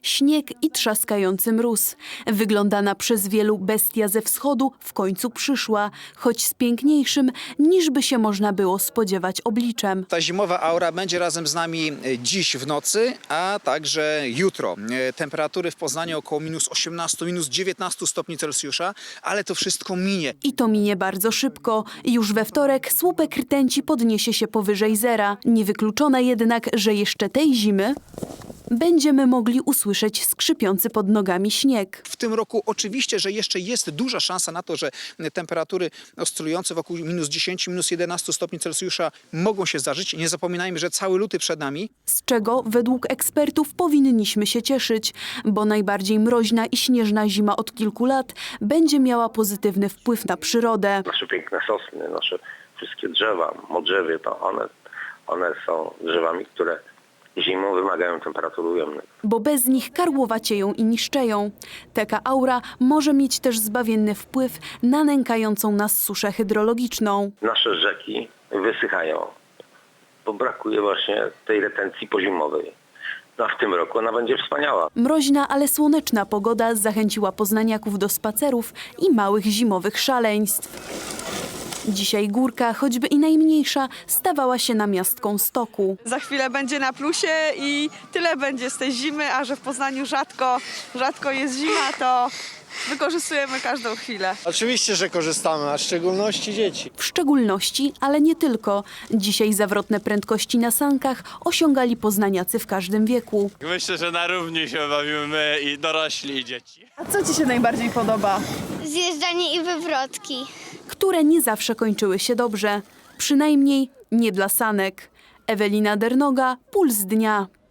śnieg i trzaskający mróz. Wyglądana przez wielu bestia ze wschodu w końcu przyszła, choć z piękniejszym, niż by się można było spodziewać obliczem. Ta zimowa aura będzie razem z nami dziś w nocy, a także jutro. Temperatury w Poznaniu około -18, -19 stopni Celsjusza, ale to wszystko minie. I to minie bardzo szybko. Już we wtorek słupek rtęci podniesie się powyżej zera. Niewykluczone jednak, że jeszcze tej zimy będziemy mogli usłyszeć skrzypiący pod nogami śnieg. W tym roku oczywiście, że jeszcze jest duża szansa na to, że temperatury oscylujące wokół -10, -11 stopni Celsjusza mogą się zdarzyć. Nie zapominajmy, że cały luty przed nami. Z czego według ekspertów powinniśmy się cieszyć, bo najbardziej mroźna i śnieżna zima od kilku lat będzie miała pozytywny wpływ na przyrodę. Nasze piękne sosny, nasze wszystkie drzewa, modrzewie, to one są drzewami, które zimą wymagają temperatury ujemnej. Bo bez nich karłowacieją i niszczeją. Taka aura może mieć też zbawienny wpływ na nękającą nas suszę hydrologiczną. Nasze rzeki wysychają, bo brakuje właśnie tej retencji pozimowej. No, a w tym roku ona będzie wspaniała. Mroźna, ale słoneczna pogoda zachęciła poznaniaków do spacerów i małych zimowych szaleństw. Dzisiaj górka, choćby i najmniejsza, stawała się namiastką stoku. Za chwilę będzie na plusie i tyle będzie z tej zimy, a że w Poznaniu rzadko jest zima, to wykorzystujemy każdą chwilę. Oczywiście, że korzystamy, a w szczególności dzieci. W szczególności, ale nie tylko. Dzisiaj zawrotne prędkości na sankach osiągali poznaniacy w każdym wieku. Myślę, że na równi się bawimy my i dorośli i dzieci. A co Ci się najbardziej podoba? Zjeżdżanie i wywrotki. Które nie zawsze kończyły się dobrze. Przynajmniej nie dla sanek. Ewelina Dernoga, Puls Dnia.